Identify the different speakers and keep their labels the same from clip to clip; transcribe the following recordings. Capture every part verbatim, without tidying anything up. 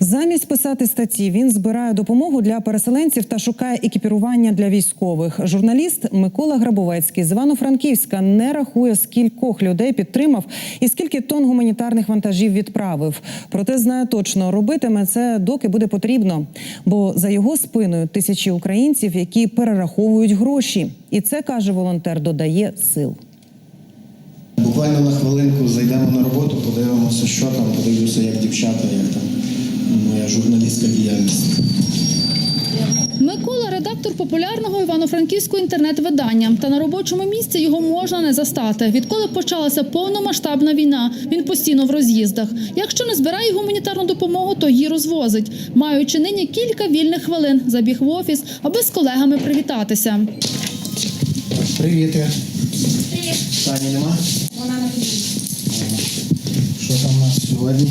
Speaker 1: Замість писати статті він збирає допомогу для переселенців та шукає екіпірування для військових. Журналіст Микола Грабовецький з Івано-Франківська не рахує, скількох людей підтримав і скільки тонн гуманітарних вантажів відправив. Проте знає точно, робитиме це доки буде потрібно. Бо за його спиною тисячі українців, які перераховують гроші. І це, каже волонтер, додає сил.
Speaker 2: Буквально на хвилинку зайдемо на роботу, подивимося, що там, подивимося, як дівчата, як там моя журналістська діяльність.
Speaker 3: Микола – редактор популярного івано-франківського інтернет-видання. Та на робочому місці його можна не застати. Відколи почалася повномасштабна війна, він постійно в роз'їздах. Якщо не збирає гуманітарну допомогу, то її розвозить. Маючи нині кілька вільних хвилин, забіг в офіс, аби з колегами привітатися.
Speaker 2: Привіт. Привіт. Тані нема?
Speaker 4: Вона на тобі.
Speaker 2: Що там у нас сьогодні?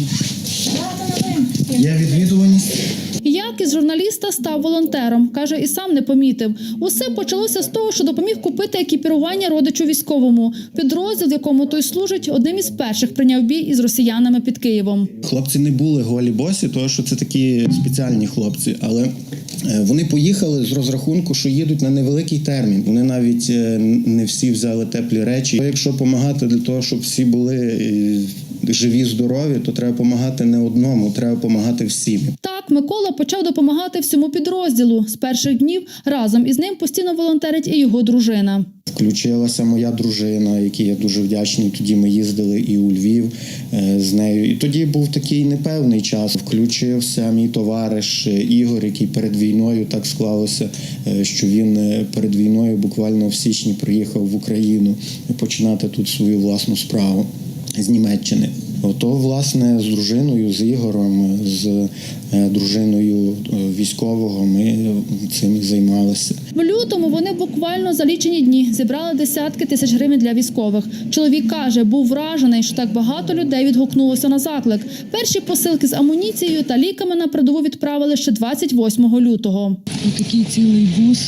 Speaker 2: Є відвідуваність?
Speaker 3: Як із журналіста став волонтером, каже, і сам не помітив. Усе почалося з того, що допоміг купити екіпірування родичу військовому. Підрозділ, в якому той служить, одним із перших прийняв бій із росіянами під Києвом.
Speaker 2: Хлопці не були голі босі, тому що це такі спеціальні хлопці, але вони поїхали з розрахунку, що їдуть на невеликий термін. Вони навіть не всі взяли теплі речі. Якщо допомагати для того, щоб всі були живі, здорові, то треба допомагати не одному, треба допомагати всім.
Speaker 3: Так, Микола почав допомагати всьому підрозділу. З перших днів разом із ним постійно волонтерить і його дружина.
Speaker 2: Включилася моя дружина, якій я дуже вдячний. Тоді ми їздили і у Львів з нею. І тоді був такий непевний час. Включився мій товариш Ігор, який перед війною так склалося, що він перед війною буквально в січні приїхав в Україну починати тут свою власну справу з Німеччини. Ото, власне, з дружиною, з Ігорем, з дружиною військового ми цим і займалися.
Speaker 3: В лютому вони буквально за лічені дні зібрали десятки тисяч гривень для військових. Чоловік каже, був вражений, що так багато людей відгукнулося на заклик. Перші посилки з амуніцією та ліками на передову відправили ще двадцять восьмого лютого.
Speaker 5: Ось такий цілий бус.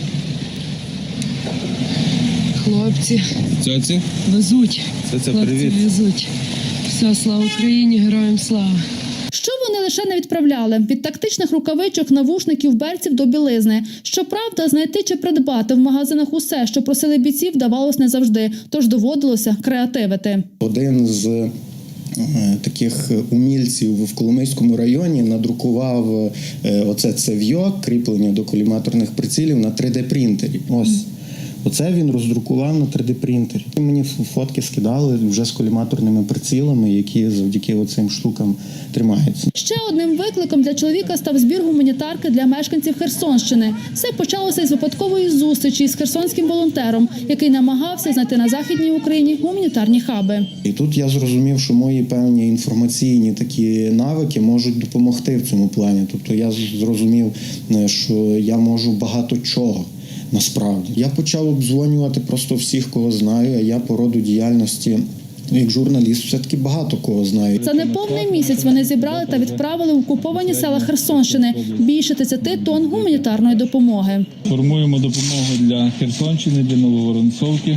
Speaker 5: Хлопці
Speaker 6: Цьоці?
Speaker 5: везуть.
Speaker 6: Це
Speaker 5: Хлопці
Speaker 6: привіт.
Speaker 5: везуть. Все, слава Україні, героям слава.
Speaker 3: Що вони лише не відправляли? Від тактичних рукавичок, навушників, берців до білизни. Щоправда, знайти чи придбати в магазинах усе, що просили бійців, давалось не завжди. Тож доводилося креативити.
Speaker 2: Один з таких умільців в Коломийському районі надрукував оце цев'йо, кріплення до коліматорних прицілів на три де принтері. Ось. Оце він роздрукував на три де принтері. Мені фотки скидали вже з коліматорними прицілами, які завдяки оцим штукам тримаються.
Speaker 3: Ще одним викликом для чоловіка став збір гуманітарки для мешканців Херсонщини. Все почалося із випадкової зустрічі з херсонським волонтером, який намагався знайти на Західній Україні гуманітарні хаби.
Speaker 2: І тут я зрозумів, що мої певні інформаційні такі навики можуть допомогти в цьому плані. Тобто я зрозумів, що я можу багато чого. Насправді. Я почав обдзвонювати просто всіх, кого знаю, а я по роду діяльності як журналіст все-таки багато кого знаю.
Speaker 3: За неповний місяць вони зібрали та відправили в окуповані села Херсонщини більше тридцяти тонн гуманітарної допомоги.
Speaker 6: Формуємо допомогу для Херсонщини, для Нововоронцовки.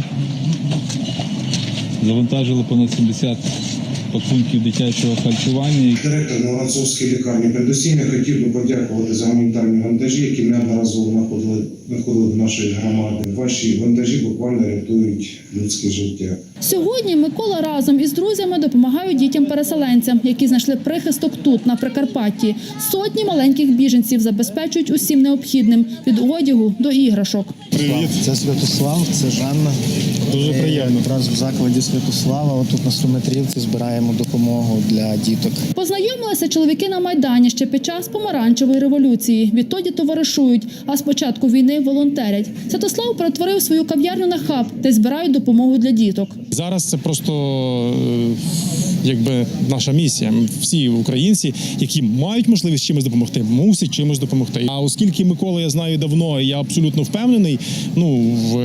Speaker 6: Завантажили понад сімдесят пакунків дитячого харчування.
Speaker 7: Директор Нововоронцовської лікарні передусім я хотів би подякувати за гуманітарні вантажі, які неодноразово знаходили, знаходили до нашої громади. Ваші вантажі буквально рятують людське життя.
Speaker 3: Сьогодні Микола разом із друзями допомагають дітям-переселенцям, які знайшли прихисток тут, на Прикарпатті. Сотні маленьких біженців забезпечують усім необхідним – від одягу до іграшок.
Speaker 8: Привіт, це Святослав, це Жанна.
Speaker 6: Дуже приємно.
Speaker 8: Якраз в закладі Святослава, отут на Стометрівці збираємо допомогу для діток.
Speaker 3: Познайомилися чоловіки на Майдані ще під час помаранчевої революції. Відтоді товаришують, а з початку війни волонтерять. Святослав перетворив свою кав'ярню на хаб, де збирають допомогу для діток.
Speaker 9: Зараз це просто якби наша місія. Всі українці, які мають можливість чимось допомогти, мусять чимось допомогти. А оскільки Микола я знаю давно, і я абсолютно впевнений, ну в,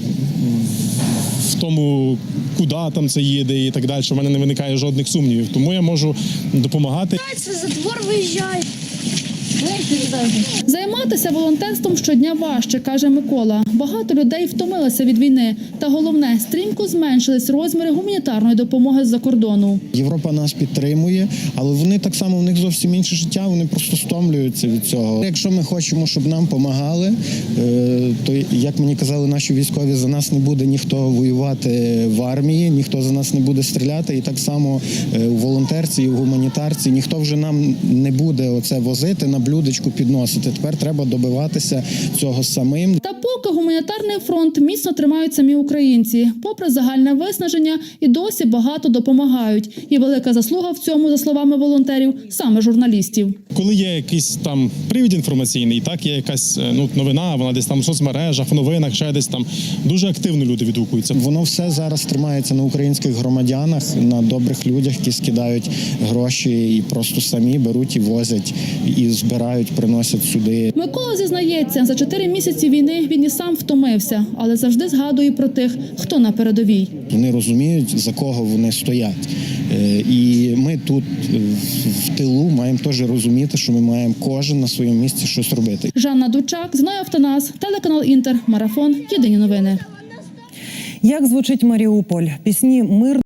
Speaker 9: в тому, куди там це їде і так далі, в мене не виникає жодних сумнівів. Тому я можу допомагати.
Speaker 4: Це за двор виїжджає.
Speaker 3: Займатися волонтерством щодня важче, каже Микола. Багато людей втомилися від війни. Та головне, стрімко зменшились розміри гуманітарної допомоги з-за кордону.
Speaker 2: Європа нас підтримує, але вони так само, в них зовсім інше життя, вони просто стомлюються від цього. Якщо ми хочемо, щоб нам допомагали, то, як мені казали наші військові, за нас не буде ніхто воювати в армії, ніхто за нас не буде стріляти. І так само у волонтерці, і в гуманітарці ніхто вже нам не буде оце возити, на блюдечку підносити. Тепер треба добиватися цього самим.
Speaker 3: Та поки гуманітарний фронт міцно тримають самі українці. Попри загальне виснаження, і досі багато допомагають. І велика заслуга в цьому, за словами волонтерів, саме журналістів.
Speaker 9: Коли є якийсь там привід інформаційний, так, є якась ну, новина, вона десь там в соцмережах, в новинах, ще десь там, дуже активно люди відгукуються.
Speaker 2: Воно все зараз тримається на українських громадянах, на добрих людях, які скидають гроші і просто самі беруть і возять, і збирають, приносять сюди.
Speaker 3: Микола зізнається, за чотири місяці війни він і сам втомився, але завжди згадує про тих, хто на передовій.
Speaker 2: Вони розуміють, за кого вони стоять. І ми тут в тилу маємо теж розуміти, що ми маємо кожен на своєму місці щось робити.
Speaker 3: Жанна Дучак, Зноя Автонас, телеканал Інтер, Марафон, Єдині новини.
Speaker 1: Як звучить Маріуполь? Пісні «Мир»